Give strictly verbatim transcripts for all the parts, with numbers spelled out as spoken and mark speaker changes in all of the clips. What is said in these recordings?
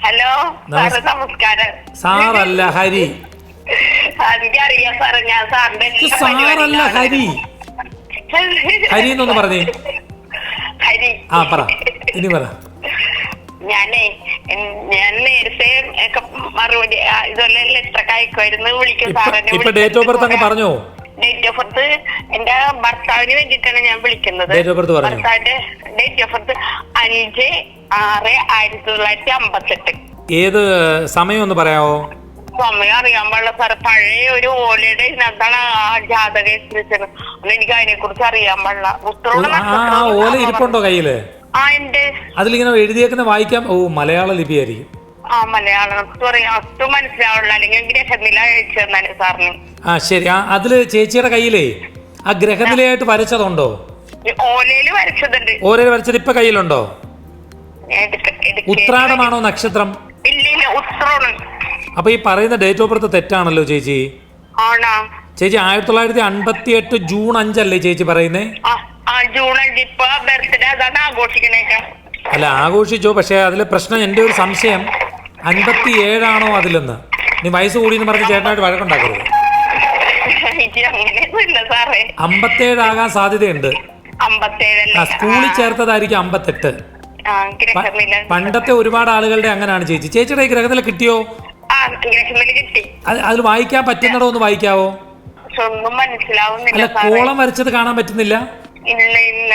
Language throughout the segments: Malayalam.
Speaker 1: ഹലോ സാറ് നമസ്കാരം.
Speaker 2: സാറല്ല ഹരി.
Speaker 1: എനിക്കറിയാം സാറേ, ഞാൻ സാറിന്റെ
Speaker 2: സാറല്ല ഹരി. ഹരി എന്നൊന്ന് പറഞ്ഞേ.
Speaker 1: ഹരി.
Speaker 2: ആ പറ, ഇനി പറ.
Speaker 1: ഞാനേ ഞാൻ നേരത്തെ ഒക്കെ മറുപടി ഇതുപോലെ ലെറ്ററൊക്കെ അയക്കുമായിരുന്നു, വിളിക്കും സാറിനെ.
Speaker 2: ഇപ്പൊ ഡേറ്റ് ഓഫ് ബർത്ത് അങ്ങ് പറഞ്ഞോ?
Speaker 1: ഡേറ്റ് ഓഫ് ബർത്ത് എന്റെ ഭർത്താവിന് വേണ്ടിയിട്ടാണ് ഞാൻ വിളിക്കുന്നത്. ഭർത്താവിന്റെ ഡേറ്റ് ഓഫ് ബർത്ത് അഞ്ച് ആറ് ആയിരത്തി തൊള്ളായിരത്തി അമ്പത്തെട്ട്.
Speaker 2: ഏത് സമയം ഒന്ന് പറയാവോ?
Speaker 1: സമയം അറിയാൻ പാടില്ല സാറ്, പഴയ ഒരു ഓലയുടെ ഇതിനകത്താണ് ആ ജാതക എത്തിച്ചത്. എനിക്ക് അതിനെ കുറിച്ച് അറിയാൻ പാടില്ല.
Speaker 2: ഓല ഇരിപ്പുണ്ടോ കയ്യില്?
Speaker 1: ആ ഉണ്ട്.
Speaker 2: അതിലിങ്ങനെ എഴുതിയേക്കുന്ന വായിക്കാം. ഓ മലയാള ലിപിയായിരിക്കും.
Speaker 1: ആ മലയാളം ഒട്ടും മനസ്സിലാവുള്ള, അല്ലെങ്കിൽ ഗ്രഹനില അയച്ചു തന്നാലും സാറിന്.
Speaker 2: ആ ശരി. ആ അതില് ചേച്ചിയുടെ കയ്യിലേ ആ ഗ്രഹനിലയായിട്ട് വരച്ചതുണ്ടോ?
Speaker 1: ഓലയില് വരച്ചതുണ്ട്.
Speaker 2: ഓലയിൽ വരച്ചത് ഇപ്പൊ കയ്യിലുണ്ടോ? ഉത്രാടമാണോ നക്ഷത്രം?
Speaker 1: ഇല്ല, ഉത്രാണ്.
Speaker 2: അപ്പൊ ഈ പറയുന്ന ഡേറ്റ് ഓഫ് ബർത്ത് തെറ്റാണല്ലോ ചേച്ചി.
Speaker 1: ആണോ
Speaker 2: ചേച്ചി? ആയിരത്തി തൊള്ളായിരത്തി അൻപത്തി എട്ട് ജൂൺ അഞ്ചല്ലേ ചേച്ചി പറയുന്നേ?
Speaker 1: ജൂൺ അഞ്ച് ഇപ്പൊ ബർത്ത്ഡേ അതാണ് ആഘോഷിക്കണേക്ക.
Speaker 2: അല്ല ആഘോഷിച്ചോ, പക്ഷെ അതിലെ പ്രശ്നം എന്റെ ഒരു സംശയം അൻപത്തി ഏഴാണോ അതിലെന്ന്. നീ വയസ്സ് കൂടിയെന്ന് പറഞ്ഞ് ചേട്ടനായിട്ട് വഴക്കുണ്ടാക്കരുത്. അമ്പത്തേഴാകാൻ സാധ്യതയുണ്ട്. ആ സ്കൂളിൽ ചേർത്തതായിരിക്കും അമ്പത്തെട്ട്. പണ്ടത്തെ ഒരുപാട് ആളുകളുടെ അങ്ങനെയാണ് ചേച്ചി. ചേച്ചിയുടെ ഈ ഗ്രഹനില കിട്ടിയോ? അതിൽ വായിക്കാൻ പറ്റുന്നടോ ഒന്ന് വായിക്കാവോ?
Speaker 1: ഒന്നും മനസ്സിലാവുന്നില്ല.
Speaker 2: അല്ല കോളം വരച്ചത് കാണാൻ പറ്റുന്നില്ല?
Speaker 1: ഇല്ല ഇല്ല.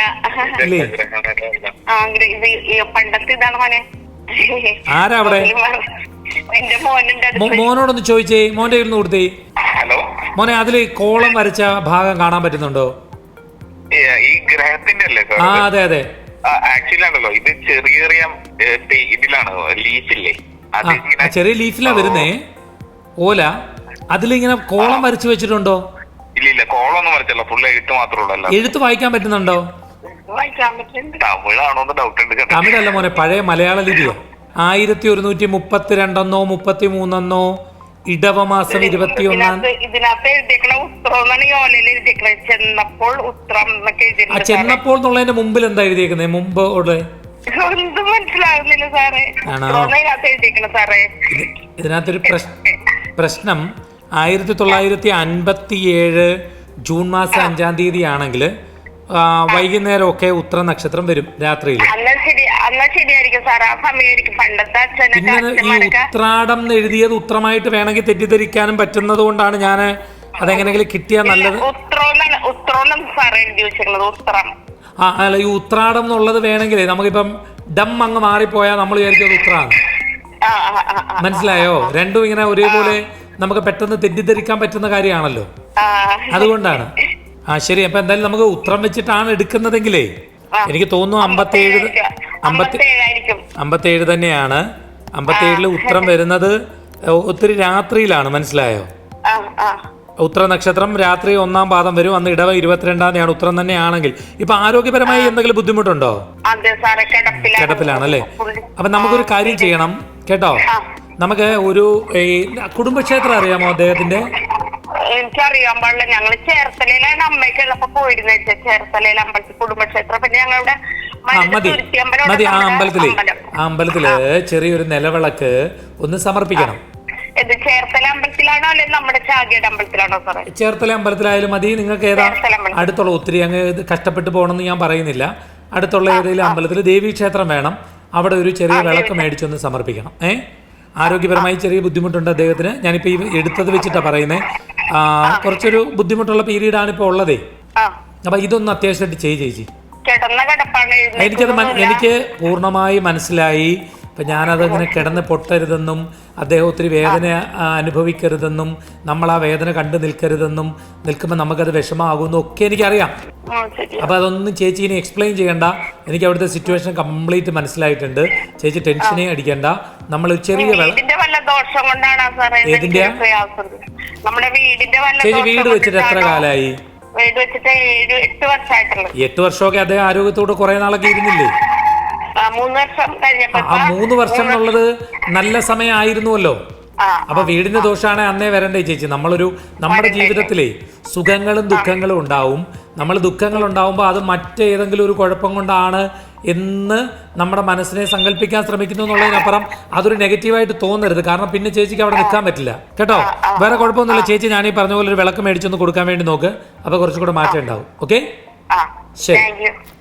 Speaker 1: പണ്ടത്തെ ഇതാണ് മോനെ.
Speaker 2: ആരാ അവിടെ?
Speaker 1: എന്റെ മോനുണ്ട്.
Speaker 2: മോനോടൊന്ന് ചോദിച്ചേ, മോന്റെ കയ്യിൽ നിന്ന് കൊടുത്തേ. മോനെ അതില് കോളം വരച്ച ഭാഗം കാണാൻ പറ്റുന്നുണ്ടോ?
Speaker 3: ഈ ഗ്രഹത്തിന്റെ അല്ലേ?
Speaker 2: ആ അതെ അതെ.
Speaker 3: ആക്ച്വലി ആണല്ലോ ഇത് ചെറിയ ചെറിയ ഇതിലാണ്, ലീഫില്ലേ?
Speaker 2: ചെറിയ ലീഫിലാ വരുന്നേ ഓല. അതിലിങ്ങനെ കോളം വരച്ചു വെച്ചിട്ടുണ്ടോ?
Speaker 3: ഇല്ല ഇല്ല, കോളം ഒന്നും വരച്ചല്ല, ഫുള്ള് എഴുത്ത് മാത്രമേ.
Speaker 2: എഴുത്ത് വായിക്കാൻ പറ്റുന്നുണ്ടോ?
Speaker 3: തമിഴാണോന്ന് ഡൗട്ട് ഉണ്ട്.
Speaker 2: തമിഴല്ല മോനെ, പഴയ മലയാള ലിപിയോ. ആയിരത്തി ഒരുന്നൂറ്റി മുപ്പത്തിരണ്ടെന്നോ മുപ്പത്തി മൂന്നെന്നോ ഇടവമാസം ഇരുപത്തി ഒന്നാം.
Speaker 1: ഇതിനകത്ത് എഴുതിയേക്കണ ഉത്രം ഈ ഓലയിൽ എഴുതിയേക്കണ ചെന്നപ്പോൾ ഉത്രം എന്നൊക്കെ എഴുതി.
Speaker 2: ആ ചെന്നപ്പോൾ എന്നുള്ളതിന്റെ മുമ്പിൽ എന്താ എഴുതിയേക്കുന്നത്? മുമ്പ് ഉള്ള
Speaker 1: ഒന്നും മനസ്സിലാകുന്നില്ല സാറേ. എഴുതിയേക്കണ സാറേ
Speaker 2: ഇതിനകത്തൊരു പ്രശ്നം. ആയിരത്തി തൊള്ളായിരത്തി അൻപത്തി ഏഴ് ജൂൺ മാസം അഞ്ചാം തീയതി ആണെങ്കിൽ വൈകുന്നേരം ഒക്കെ ഉത്തര നക്ഷത്രം വരും രാത്രിയിൽ. പിന്നെ ഈ ഉത്രാടം എന്ന് എഴുതിയത് ഉത്രമായിട്ട് വേണമെങ്കിൽ തെറ്റിദ്ധരിക്കാനും പറ്റുന്നത് കൊണ്ടാണ് ഞാൻ അതെങ്ങനെങ്കിലും കിട്ടിയാൽ നല്ലത്. ആ അല്ല, ഈ ഉത്രാടം എന്നുള്ളത് വേണമെങ്കിൽ നമുക്കിപ്പം ഡം അങ്ങ് മാറിപ്പോയാൽ നമ്മൾ വിചാരിച്ചത് ഉത്രാണ്. മനസ്സിലായോ? രണ്ടും ഇങ്ങനെ ഒരേപോലെ നമുക്ക് പെട്ടെന്ന് തെറ്റിദ്ധരിക്കാൻ പറ്റുന്ന കാര്യമാണല്ലോ, അതുകൊണ്ടാണ്. ആ ശരി. അപ്പൊ എന്തായാലും നമുക്ക് ഉത്രം വെച്ചിട്ടാണ് എടുക്കുന്നതെങ്കിലേ എനിക്ക് തോന്നുന്നു അമ്പത്തേഴ് അമ്പത്തി അമ്പത്തേഴ് തന്നെയാണ്. അമ്പത്തേഴില് ഉത്രം വരുന്നത് ഒത്തിരി രാത്രിയിലാണ്. മനസ്സിലായോ? ഉത്തര നക്ഷത്രം രാത്രി ഒന്നാം പാദം വരും. അന്ന് ഇടവ ഇരുപത്തിരണ്ടാം തീയതിയാണ് ഉത്രം തന്നെയാണെങ്കിൽ. ഇപ്പൊ ആരോഗ്യപരമായി എന്തെങ്കിലും ബുദ്ധിമുട്ടുണ്ടോ? കിടപ്പിലാണല്ലേ? അപ്പൊ നമുക്കൊരു കാര്യം ചെയ്യണം കേട്ടോ. നമുക്ക് ഒരു കുടുംബക്ഷേത്രം അറിയാമോ അദ്ദേഹത്തിന്റെ?
Speaker 1: എനിക്കറിയാൻ പാടില്ല. ഞങ്ങള് ചേർത്തലയിലാണ് അമ്മയ്ക്ക് ഉള്ളപ്പോ പോയിരുന്നത്. ചേർത്തലയിലെ അമ്പലത്തിൽ കുടുംബക്ഷേത്രം. പിന്നെ ഞങ്ങളുടെ
Speaker 2: മതി മതി ആ അമ്പലത്തില് ആ അമ്പലത്തില് ചെറിയൊരു നിലവിളക്ക് ഒന്ന് സമർപ്പിക്കണം.
Speaker 1: ചേർത്തല അമ്പലത്തിലാണോ അല്ലെങ്കിൽ നമ്മുടെ ചാകിയുടെ അമ്പലത്തിലാണോ സാറേ?
Speaker 2: ചേർത്തല അമ്പലത്തിലായാലും മതി. നിങ്ങൾക്ക് ഏതാ അടുത്തുള്ള? ഒത്തിരി അങ്ങ് കഷ്ടപ്പെട്ട് പോകണമെന്ന് ഞാൻ പറയുന്നില്ല. അടുത്തുള്ള ഏതെങ്കിലും അമ്പലത്തിൽ ദേവീക്ഷേത്രം വേണം. അവിടെ ഒരു ചെറിയ വിളക്ക് മേടിച്ചൊന്ന് സമർപ്പിക്കണം. ഏഹ് ആരോഗ്യപരമായി ചെറിയ ബുദ്ധിമുട്ടുണ്ട് അദ്ദേഹത്തിന്. ഞാനിപ്പോ ഈ എടുത്തത് വെച്ചിട്ടാ പറയുന്നത്. കുറച്ചൊരു ബുദ്ധിമുട്ടുള്ള പീരീഡ് ആണ് ഇപ്പൊ ഉള്ളതേ. അപ്പൊ ഇതൊന്ന് അത്യാവശ്യമായിട്ട് ചെയ്യ് ചേച്ചി. എനിക്കത് എനിക്ക് പൂർണ്ണമായി മനസ്സിലായി. ഇപ്പം ഞാനതങ്ങനെ കിടന്ന് പൊട്ടരുതെന്നും അദ്ദേഹം ഒത്തിരി വേദന അനുഭവിക്കരുതെന്നും നമ്മൾ ആ വേദന കണ്ടു നിൽക്കരുതെന്നും നിൽക്കുമ്പോൾ നമുക്കത് വിഷമമാകുമെന്നും ഒക്കെ എനിക്കറിയാം. അപ്പോൾ അതൊന്നും ചേച്ചി ഇനി എക്സ്പ്ലെയിൻ ചെയ്യണ്ട. എനിക്ക് അവിടുത്തെ സിറ്റുവേഷൻ കംപ്ലീറ്റ് മനസ്സിലായിട്ടുണ്ട്. ചേച്ചി ടെൻഷനേ അടിക്കണ്ട. നമ്മൾ ചെറിയ ഏതിന്റെ ചേച്ചി വീട് വെച്ചിട്ട് എത്ര കാലമായി? എട്ട് വർഷമൊക്കെ അദ്ദേഹം ആരോഗ്യത്തോട് കുറെ നാളൊക്കെ ഇരുന്നില്ലേ? ആ മൂന്ന് വർഷം എന്നുള്ളത് നല്ല സമയമായിരുന്നുവല്ലോ. അപ്പൊ വീടിന്റെ ദോഷമാണ് അന്നേ വരണ്ടേ ചേച്ചി. നമ്മളൊരു നമ്മുടെ ജീവിതത്തിലെ സുഖങ്ങളും ദുഃഖങ്ങളും ഉണ്ടാവും. നമ്മൾ ദുഃഖങ്ങൾ ഉണ്ടാവുമ്പോൾ അത് മറ്റേതെങ്കിലും ഒരു കുഴപ്പം കൊണ്ടാണ് എന്ന് നമ്മുടെ മനസ്സിനെ സങ്കല്പിക്കാൻ ശ്രമിക്കുന്നു എന്നുള്ളതിനപ്പുറം അതൊരു നെഗറ്റീവായിട്ട് തോന്നരുത്. കാരണം പിന്നെ ചേച്ചിക്ക് അവിടെ നിൽക്കാൻ പറ്റില്ല കേട്ടോ. വേറെ കുഴപ്പമൊന്നുമില്ല ചേച്ചി. ഞാനീ പറഞ്ഞ പോലെ ഒരു വിളക്ക് മേടിച്ചൊന്ന് കൊടുക്കാൻ വേണ്ടി നോക്ക്. അപ്പോൾ കുറച്ചും കൂടെ മാറ്റം ഉണ്ടാവും. ഓക്കെ, ശരി.